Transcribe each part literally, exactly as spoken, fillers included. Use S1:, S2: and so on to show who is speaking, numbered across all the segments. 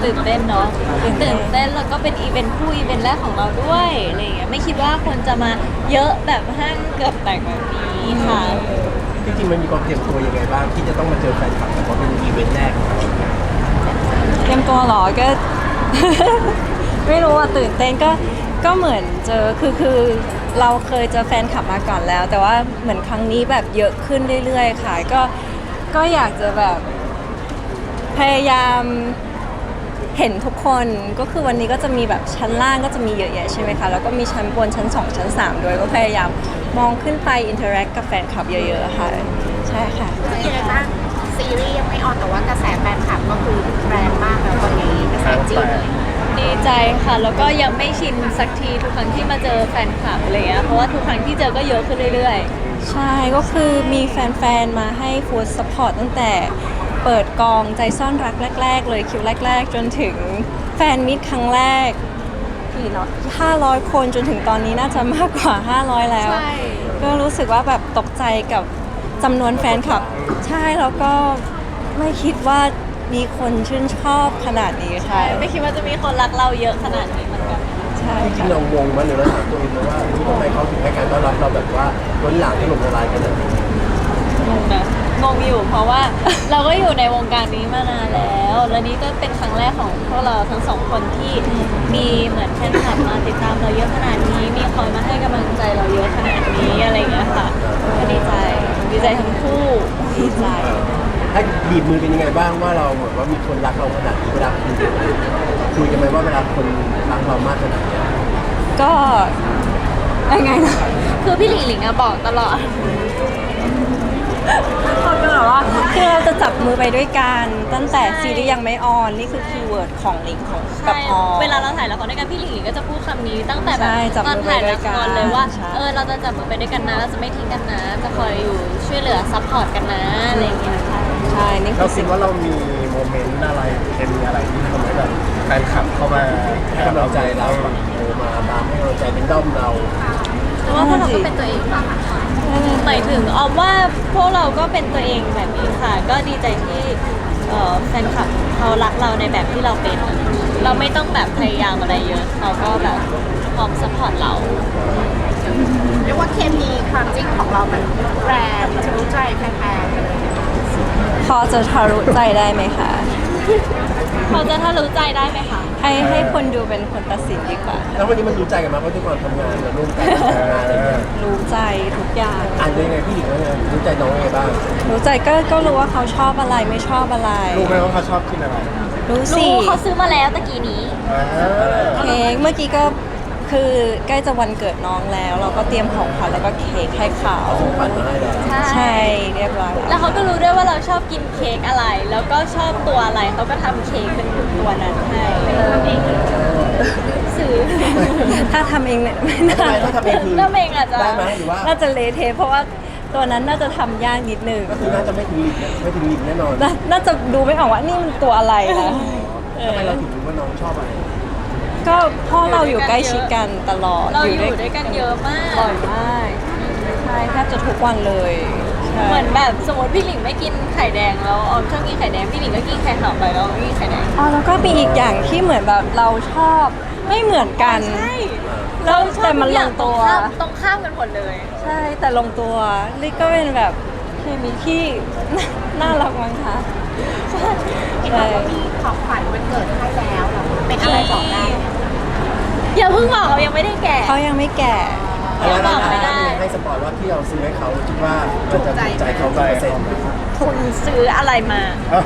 S1: ตื่นเต้นเนาะตื่นเต้นแล้วก็เป็นอีเวนต์คู่อีเวนต์แรกของเราด้วยอะไรอย่างเงี้ยไม่คิดว่าคนจะมาเยอะแบบห้างเกือบแตกแบบนี้ค่ะ
S2: จริงๆมันมีความเตรียมตัวยังไงบ้างที่จะต้องมาเจอแฟนคลับแต่ว่าเป็นอีเวนต์แรก
S3: เตรียมตัวเหรอก็ ไม่รู้ว่าตื่นเต้นก็ก็เหมือนเจอคือคือเราเคยเจอแฟนคลับมาก่อนแล้ว แต่ว่าเหมือนครั้งนี้แบบเยอะขึ้นเรื่อยๆค่ะก็ก็อยากจะแบบพยายามเห็นทุกคนก็คือวันนี้ก็จะมีแบบชั้นล่างก็จะมีเยอะแยะใช่ไหมคะแล้วก็มีชั้นบนชั้นสองชั้นสามด้วยก็พยายามมองขึ้นไปอินเทอร์แอคกับแฟนคลับเยอะๆค่ะใช่ค่ะ
S4: รู้สึกยังไงบ้างซีรีส์ยังไม่ออนแต่ว่ากระแสแฟนคลับก็คือแรงมากแล้วตอนนี้กระแสจีนเลย
S1: ดีใจค่ะแล้วก็ยังไม่ชินสักทีทุกครั้งที่มาเจอแฟนคลับอะไรเงี้ยเพราะว่าทุกครั้งที่เจอก็เยอะขึ้นเรื่อยๆ
S3: ใช่ก็คือมีแฟนๆ มาให้ฟู้ดซัพพอร์ตตั้งแต่เปิดกองใจซ่อนรักแรกๆ เลยคิวแรกๆ จนถึงแฟนมิตรครั้งแรกกี่เนาะห้าร้อยคนจนถึงตอนนี้น่าจะมากกว่า ห้าร้อย แล้ว
S1: ใช่
S3: ก็รู้สึกว่าแบบตกใจกับจำนวนแฟนคลับ ใช่แล้วก็ไม่คิดว่ามีคนชื่นชอบขนาดนี้ค่ะ
S1: ไม่คิดว่าจะมีคนรักเราเยอะขนาดนี้เหมือนกัน
S3: ใช่
S2: จริง
S3: ค่ะ
S2: ๆเรางงมั้ยหรือเราถามตัวเองไหมว่าเฮ้ยทำไมเขาถึงให้การต้อนรับเราแบบว่าล้นหลามถล่มทลายขนาดนี้
S1: งงนะงงอยู่เพราะว่า เราก็อยู่ในวงการนี้มานานแล้ว และนี่ก็เป็นครั้งแรกของพวกเราทั้งสองคนที่มีเหมือนแฟนคลับมาติดตามเราเยอะขนาดนี้ มีคอยมาให้กำลังใจเราเยอะขนาดนี้อะไรอย่างเงี้ยค่ะก็ดีใจดีใจทั้งคู่
S3: ดีใจ
S2: ถ้าบีบมือเป็นยังไงบ้างว่าเราแบบว่ามีคนรักเราขนาดนี้เวลาคุยกันคุยกันไหมว่าเวลาคนรักเรามากขนาดนี้
S3: ก็ยังไงนะ
S1: คือพี่หลิงหลิงอะบอกตลอด
S3: เขาก็แบบว่าคือเราจะจับมือไปด้วยกันตั้งแต่ซีรีส์ยังไม่ออนนี่คือคีย์เวิร์ดของลิงของกับ
S1: ใช่
S3: ออ
S1: เวลาเราถ่ายละครด้วยกันพี่หลิงหลิงก็จะพูดคำนี้ตั้งแต่แบบ
S3: ใช่จับ
S1: ตอน
S3: มือ
S1: ถ่าย
S3: ไปด้
S1: ละ
S3: วย
S1: ค
S3: กัน
S1: รเลยว่า
S3: ใช่
S1: เออเราจะจับมือไปด้วยกันนะเราจะไม่ทิ้งกันนะ จะคอยอยู่ช่วยเหลือซัพพอร์ตกันนะอะไรอย่างเงี้ยค่ะ
S3: ใช่นี่คื
S5: เรา
S3: อ
S5: คิ
S3: สิ่
S5: ด
S3: ง
S5: ว่าเรามีโมเมนต์อะไรเคมีอะไรที่ทำให้แบบแฟนคลับเข้ามา
S2: ให้กำลังใจเราแบบโทรมาตามให้กำลังใจเป็นด้อมเรา
S1: เพราะว่าพวกเราก็เป็นตัวเองหมายถึงออมว่าพวกเราก็เป็นตัวเองแบบนี้ค่ะ ก็ดีใจที่เอ่อแฟนคลับเขารักเราในแบบที่เราเป็น เราไม่ต้องแบบพยายามอะไรเยอะเขาก็แบบพร้อมซัพพอร์ตเรา
S4: เรียกว่าเคมีความจริงของเรามันแรงทะลุใจแฟน
S3: พอจะทะลุใจได้ไหมคะ
S1: เขาจะถ้ารู้ใจได้ไหมคะ
S3: ให้ให้คนดูเป็นคนตัดสินดีกว่า
S2: แล้ววันนี้มันรู้ใจกันมากเพราะทุกคนทำงานมาร่วมกันทำงานอะไรเงี้ย
S3: รู้ใจทุกอย่าง
S2: อ่านยังไงพี่หญิงว่าไงรู้ใจน้องยังไงบ้าง
S3: รู้ใจก็ก็รู้ว่าเขาชอบอะไรไม่ชอบอะไร
S5: รู้ไหมว่าเขาชอบกินอะไร
S3: รู้สิ
S1: รู้เขาซื้อมาแล้วตะกี้นี้
S5: อ่า
S3: เค้กเมื่อกี้ก็คือใกล้จะวันเกิดน้องแล้ว เราก็เตรียมของขวัญแล้วก็เค้กให้เขา
S2: เอาของขวัญมาให้แล้ว
S3: ใช่เรียบร้อย
S1: แล้
S3: แล้ว ว
S1: เขาก็รู้ด้วยว่าเราชอบกินเค้กอะไร แล้วก็ชอบตัวอะไร เขาก็ทำเค้กเป็นตัวนั้นให้เองซื้อ
S3: ถ้าทำเองเนี่ยไม่
S2: แล้วทำ
S3: น่า
S2: ไมถ้าทำเองคือ
S1: แล้วเองอาจจะ
S2: ได้ไหมหรือว่า
S3: น่าจะเละเทะเพราะว่าตัวนั้นน่าจะทำยากนิดนึง
S2: ก็คือน่าจะไม่ถึงลิมนะไม่ถึงลิมแน่นอน
S3: น่าน่าจะดูไม่ออกว่านี่มันตัวอะไรนะเอ
S2: ทำ
S3: อ
S2: ไมเราถึงรู้ว่าน้องชอบอะไร
S3: ก็พ่อเราอยู่ใกล้ชิดกันตลอด
S1: เราอยู่ด้วยกันเยอะมาก
S3: บ่อยมากใช่แทบจะทุกวันเลยใช่
S1: เหมือนแบบสมมติพี่หลิงไม่กินไข่แดงแล้วออมชอบกินไข่แดง พี่หลิงก็กินไข่ขาวไปแล้วออมไม่กินไข่แดง
S3: อ๋อแล้วก็มีอีกอย่างที่เหมือนแบบเราชอบไม่เหมือนกัน
S1: ใช่
S3: แล้วแต่มันลงตัว
S1: ตรงข้ามกันหมดเลย
S3: ใช่แต่ลงตัวลิก็เป็นแบบเคมีที่ น่ารักมั้งคะ
S4: ๆเห็นบอกว่ามีของขวัญวันเกิดให้แล้วเหรอเป็นอะไรบอกได้ไหม
S1: อย่าเพิ่งบอกเรายังไม่ได้แก่
S3: เขายังไม่แก่
S1: ยังบอกไม่ได้
S2: ให้สปอยว่าที่เราซื้อให้เขาคิดว่ามันจะถูกใจเขากี่เปอร์เซ็นต์
S1: คุณซื้ออะไรมา
S5: อ่ะ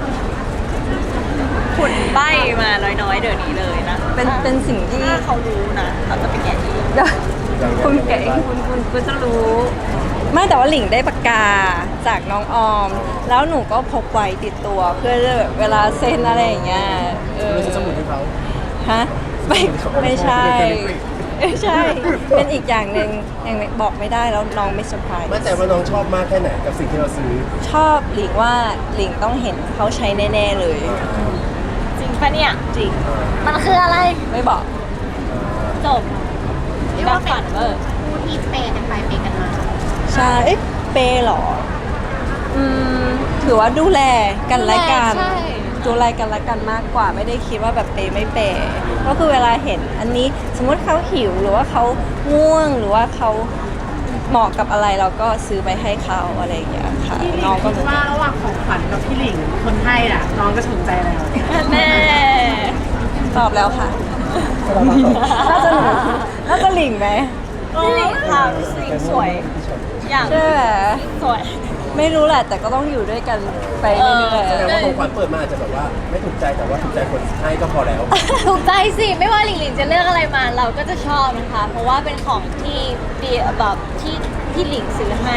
S1: คุณใบ้มาน้อยๆเดี๋ยวนี้เลยนะ
S3: เป็นเป็นสิ่งที่
S1: ถ้าเขารู้นะเขาจะไปแกะเอง
S3: คุณเก๋คุณคุณคุณจะรู้ ไม่แต่ว่าหลิงได้ปากกาจากน้องออม แล้วหนูก็พกไว้ติดตัวเพื่อแบบเวลาเซ็นอะไรอย่างเงี้ยเออ
S2: เราซื้อสมุดให้เขา
S3: ฮะไม่ไม่ใช่ ไม่ใช่ เป็นอีกอย่างหนึ่งยังบอกไม่ได้แล้วน้องไม่เซอร์ไพรส์
S2: มั่นใจว่าน้องชอบมากแค่ไหนกับสิ่งที่เราซื้อ
S3: ชอบหลิงว่าหลิงต้องเห็นเขาใช้แน่ๆเลย
S1: จริงปะเนี่ย
S3: จริง
S1: มันคืออะไร
S3: ไม่บอก
S1: จบ
S4: เรียก
S1: ดั
S4: ว่า
S1: บ
S4: เป็
S1: ฝั
S4: น
S1: นเวอร์
S4: คู่ที่เปย์กันไปเปย์กันมา
S3: ใช่เอ๊ะเปย์เหรอ อืมถือว่าดูแลกันและกัน
S1: ใช่
S3: ดูแลกันและกันมากกว่าไม่ได้คิดว่าแบบเปย์ไม่เปย์ก็คือเวลาเห็นอันนี้สมมติเขาหิวหรือว่าเขาง่วงหรือว่าเขาเหมาะกับอะไรเราก็ซื้อไปให้เขาอะไรอย่างเงี้ยค่ะ
S6: พี่หลิ
S3: น้อง งก็
S6: คิดว่าระหว่างของขวัญกับพี่หลิงคนให้อ่ะน้องจะถูกใจอะไร
S1: แม่
S3: ตอบแล้วค่ะ น่าจะหลิงน่าจะหลิงไหม
S1: พี่หลิงค่ะสิ่งสวยอย่าง
S3: ใช่ไหม
S1: สวย
S3: ไม่รู้แหละแต่ก็ต้องอยู่ด้วยกันไปเรื่อย
S2: แสดงว่าของขวัญเปิดมาอาจจะแบบว่าไม่ถูกใจแต่ว่าถูกใจคนให้ก็พอแล้ว
S1: ถูกใจสิ ไม่ว่าหลิงหลิงจะเลือกอะไรมาเราก็จะชอบนะคะ เพราะว่าเป็นของที่ดีแบบที่ที่หลิงซื้อให้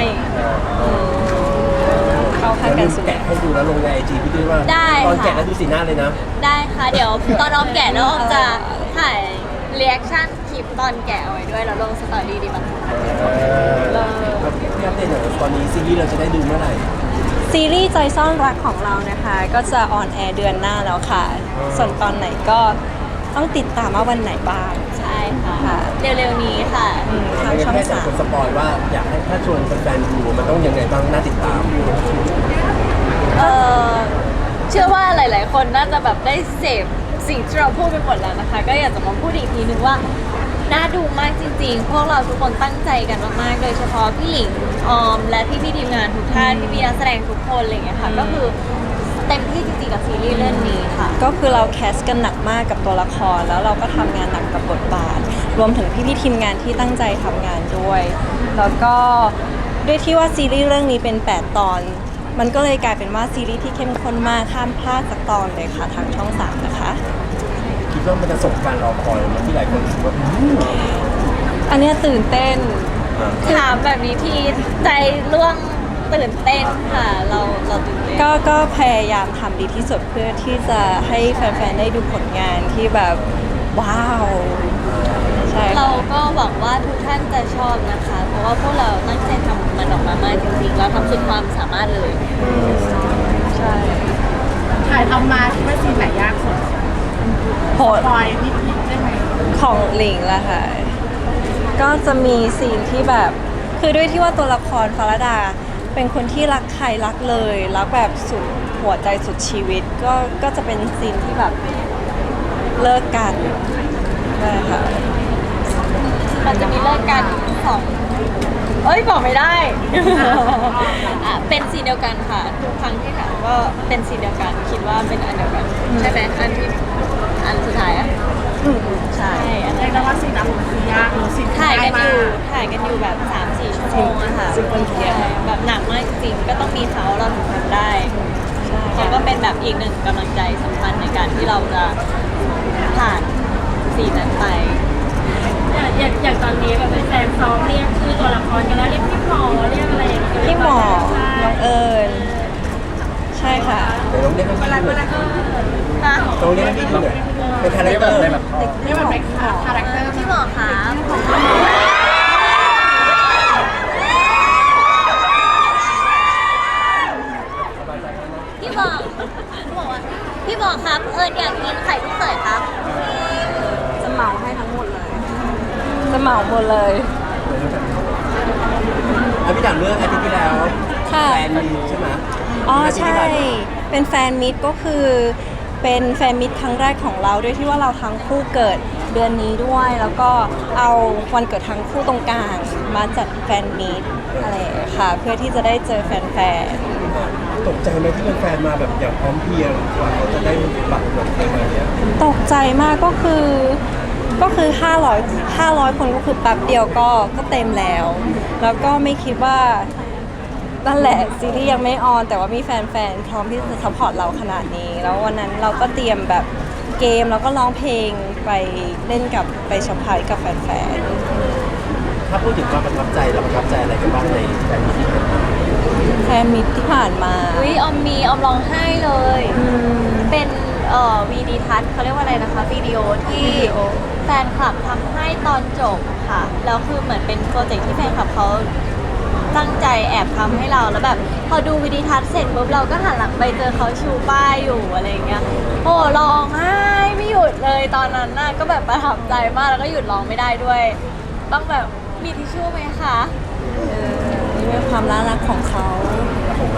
S3: ๆเข้าข้าง
S2: แล้ว
S3: กั
S2: ลื
S3: น
S2: ม
S3: สุด
S2: แกะให้ดูแล้วลงในไอจีพี่ด้วยว่า
S1: ได้
S2: ตอน
S1: ค่ะ
S2: แกะแล้วดูสีหน้าเลยนะ
S1: ได้ค่ะ เดี๋ยวตอนออมแกะแล้วออมจะถ่ายเรีแอคชั่นคลิปตอนแกะเอาไว้ด้วยแล้วลงสตอรี่ดีมั้ย
S2: แล้วพี่อัปเดตหน่อยตอนนี้ซีรีส์เราจะได้ดูเมื่อไหร่
S3: ซีรีส์ใจซ่อนรักของเรานะคะ ก็จะออนแอร์เดือนหน้าแล้วค่ะ ส่วนตอนไหนก็ต้องติดตามว่าวันไหนบ้าง
S1: ใช่ค่ะ
S3: ค่ะ
S1: เร็วๆนี้ค่ะ
S3: อืมทาง
S2: ไม่
S3: ช่อง
S2: ให้แต่
S3: สาม
S2: คนสปอยว่าอยากให้ถ้าชวนแฟนๆดูมันต้องยังไงบ้างน่าติดตาม
S1: เออเชื่อว่าหลาย ๆ คนน่าจะแบบได้เสพสิ่งที่เราพูดไปหมดแล้วนะคะ ก็อยากจะมาพูดอีกทีนึงว่าน่าดูมากจริง ๆ พวกเราทุกคนตั้งใจกันมากๆโดยเฉพาะพี่หลิงออม และพี่ๆทีมงานทุกท่านพี่ๆนักแสดงทุกคนอะไรอย่างเงี้ยค่ะ ก็คือเต็มที่จริง ๆ กับซีรีส์เรื่องนี้ค่ะ
S3: ก็คือเราแคสกันหนักมากกับตัวละคร แล้วเราก็ทำงานหนักกับบทบาท รวมถึงพี่ๆทีมงานที่ตั้งใจทำงานด้วย แล้วก็ด้วยที่ว่าซีรีส์เรื่องนี้เป็น แปด ตอน มันก็เลยกลายเป็นว่าซีรีส์ที่เข้มข้นมากห้ามพลาดสักตอนเลยค่ะทางช่องสามนะคะ
S2: คิดว่ามันจะสมการรอคอยไหมันที่หลายคนคิดว่าอืม
S3: อันเนี้ยตื่นเต้น
S1: ถามแบบนี้ทีใจร่วงตื่นเต้นค่ะ เราเราตื่นเต้น
S3: ก็ก็พยายามทำดีที่สุดเพื่อที่จะให้แฟนๆ ได้ดูผลงานที่แบบว้าว ใช่
S1: เรา
S3: ค่ะ
S1: ก็หวังว่าทุกท่านจะชอบนะคะ เพราะว่าพวกเราตั้งใจทำมันออกมามากจริงๆเราทำสุดความสามารถเลย
S3: ใช่
S6: ถ่ายทำมาคิดว่าซีนไหนยากสุด
S3: โหด
S6: ปอยนิดๆได้ไหม
S3: ของหลิงละค่ะ ก็จะมีซีนที่แบบ คือด้วยที่ว่าตัวละครฟารดา เป็นคนที่รักใครรักเลย รักแบบสุดหัวใจสุดชีวิต ก็ก็จะเป็นซีนที่แบบเลิกกันใช่ค่ะ
S1: มันจะมีเลิกกันสองเอ้ยบอกไม่ได้ อ่ะเป็นสีเดียวกันค่ะ ทุกครั้งที่ถามก็เป็นสีเดียวกัน คิดว่าเป็นอันเดียวกัน ใช่ไหมอันที่อันสุดท้ายอ่ะ
S3: อืมใช่
S1: ใช่อัน
S6: เรี
S1: นั้
S6: ยก
S1: น
S6: ได้ว่าซีนนั้นคือยากหรือซีน
S1: ถ่ายกันอยู่
S6: ง่ม
S1: ถ่ายกันอยู่แบบสามสี่ชั่วโมงอะค่ะ
S3: ซึ่งเป็นเกียรติ
S1: ใช่แบบหนักมากจริงๆก็ต้องมีเขาเราถึงทำได้เขาก็เป็นแบบอีกหนึ่งกำลังใจสำคัญในการที่เราจะผ่านสีนนั้นไป
S7: อย่างอย่างตอนนี้แบบแฟนซ้อมเรียกชื่อตัวละครกันแล้วเรียกพี่หมอเรียกอะไรอย่างเงี้ย
S3: พี่หมอ
S7: ใช่
S3: น้องเอิญใช่ค่ะ
S2: เดี๋ยวลองเรียกให้พี่ดูหน่อย
S1: นะ
S2: ลองเรียกให้พี่ดูหน่อยเป็นคาแรคเตอร์
S5: ได้แบบ
S6: นี่มันเป็นคาแรคเตอร์
S1: พี่หมอคะพี่บอกพี่บอกว่าพี่บอกครับ เอิญอยากกินไข่ลูกเขยครับ
S3: จะเหมาให้ทั้งหมดเลย จะเหมาหมดเลย
S2: อ่ะพี่ถามเรื่องอาทิตย์ที่แล้ว
S3: ค่ะ
S2: แฟนมีใช่ไหม
S3: อ๋อ
S2: อาทิตย์
S3: ใช่
S2: ที่ผ่านมา
S3: เป็นแฟนมิตรก็คือเป็นแฟนมิตรครั้งแรกของเราด้วยที่ว่าเราทั้งคู่เกิดเดือนนี้ด้วย แล้วก็เอาวันเกิดทั้งคู่ตรงกลางมาจัดแฟนมิตรอะไรอย่างเงี้ยค่ะ เพื่อที่จะได้เจอแฟน
S2: ตกใจไหมที่เป็นแฟนมาแบบอย่างพร้อมเพรียงกว่าเขาจะได้บัตรหมดอะไรแบบเนี้ย
S3: ๆตกใจมากก็คือก็คือ 500 500 คนก็คือแป๊บเดียวก็ก็เต็มแล้ว แล้วก็ไม่คิดว่า นั่นแหละซีรีส์ยังไม่ออน แต่ว่ามีแฟนๆ พร้อมที่จะซัพพอร์ตเราขนาดนี้ แล้ววันนั้นเราก็เตรียมแบบเกมแล้วก็ร้องเพลงไปเล่นกับไปช็อปพายกับแฟน
S2: ถ้าพูดถึงความประทับใจเราประทับใจอะไรกันบ้างในแฟนมีตที่ผ่านมา
S3: ๆแฟนมิตรที่ผ่านมา
S1: อุ้ยออมมีออมร้องไห้เลย
S3: อืม
S1: เป็นเอ่อวีดีทัศน์เขาเรียกว่าอะไรนะคะวิดีโอที่
S3: วิดีโอ
S1: แฟนคลับทำให้ตอนจบค่ะ แล้วคือเหมือนเป็นโปรเจกต์ที่แฟนคลับเขาตั้งใจแอบทำให้เราแล้วแบบ พอดูวิดีทัศน์เสร็จปุ๊บเราก็หันหลังไปเจอเขาชูป้ายอยู่อะไรอย่างเงี้ยโอ้ร้องไห้ไม่หยุดเลยตอนนั้นน่ะก็แบบประทับใจมากแล้วก็หยุดร้องไม่ได้ด้วยต้องแบบมีทิชชู่ไหมคะ
S3: เออนี่เป็นความน่ารักของเขา
S2: ของเรา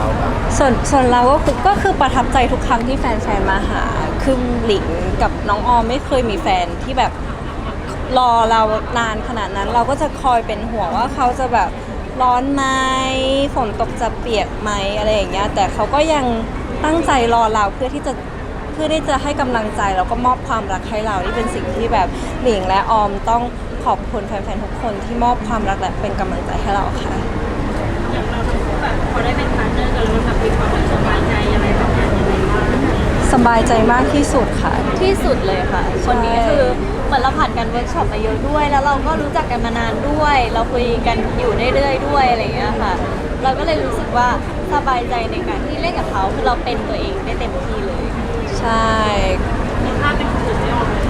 S2: เราบ้าง
S3: ส่วนส่วนเราก็คือก็คือประทับใจทุกครั้งที่แฟนๆมาหา คือหลิงกับน้องออมไม่เคยมีแฟนที่แบบรอเรานานขนาดนั้น เราก็จะคอยเป็นห่วงว่าเขาจะแบบร้อนไหมฝนตกจะเปียกไหมอะไรอย่างเงี้ยแต่เขาก็ยังตั้งใจรอเราเพื่อที่จะเพื่อที่จะให้กำลังใจแล้วก็มอบความรักให้เรานี่เป็นสิ่งที่แบบหลิงและออมต้องขอบคุณแฟนๆทุกคนที่มอบความรักและเป็นกำลังใจให้เราค่ะ
S7: อย่างเราทั้งคู่แบบพอได้เป็นพาร์ทเนอร์กันแล้วมันแบบมีความสบายใจอะไรแบบนี้ยังไงบ้าง
S3: สบายใจมากที่สุดค่ะ
S1: ที่สุดเลยค่ะ คนนี้คือเหมือนเราผ่านการเวิร์กช็อปมาเยอะด้วย แล้วเราก็รู้จักกันมานานด้วย เราคุยกันอยู่เรื่อยๆด้วยอะไรอย่างเงี้ยค่ะ เราก็เลยรู้สึกว่าสบายใจในการที่เล่นกับเขาคือเราเป็นตัวเองได้เต็มที่เลย
S3: ใช่
S7: ถ้าเป็นคนอื่นไม่ออกเลย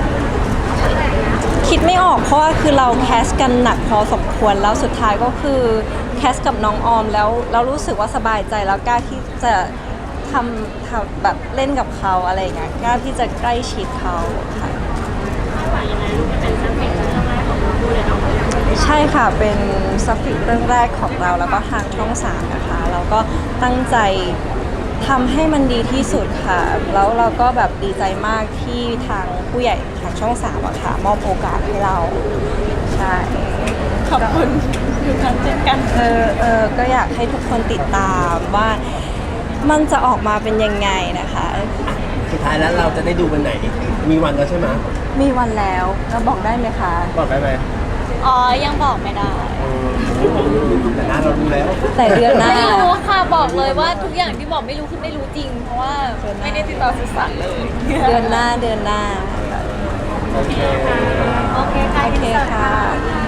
S3: คิดไม่ออกเพราะว่าคือเราแคสกันหนักพอสมควรแล้วสุดท้ายก็คือแคสกับน้องออมแล้วเรารู้สึกว่าสบายใจแล้วกล้าที่จะทำทำแบบเล่นกับเขาอะไรอย่างเงี้ยกล้าที่จะใกล้ชิดเขาค่ะ
S7: คาดหวังยังไงลูกจะเป็นซัมเมตเรื่องแรกของเราด้วยเลยเนาะ
S3: ใช่ค่ะเป็นซัฟฟิกเรื่องแรกของเราแล้วก็ทางช่องสามนะคะเราก็ตั้งใจทำให้มันดีที่สุดค่ะ แล้วเราก็แบบดีใจมากที่ทางผู้ใหญ่ทางช่องสามอะค่ะมอบโอกาสให้เราใช่
S1: ขอบคุณทุกท่านเช่นกัน
S3: เออเออก็อยากให้ทุกคนติดตามว่ามันจะออกมาเป็นยังไงนะคะ
S2: สุดท้ายแล้วเราจะได้ดูวันไหน มีวันแล้วใช่ไหม
S3: มีวันแล้วเราบอกได้ไหมคะ
S5: บอกได้ไหม
S1: อ๋อ ยังบอกไม่ได้
S2: แต่หน้าเราดูแล้ว
S3: แต่เดือนหน้า
S1: ไม่รู้ค่ะบอกเลยว่าทุกอย่างที่บอกไม่รู้คือไม่รู้จริง เพราะว่าไม่ได้ติดต่อสื่อสารเลย
S3: เดือนหน้าเดือนหน้า
S5: โอเค
S1: โอเคค่ะ
S3: โอเคค่ะ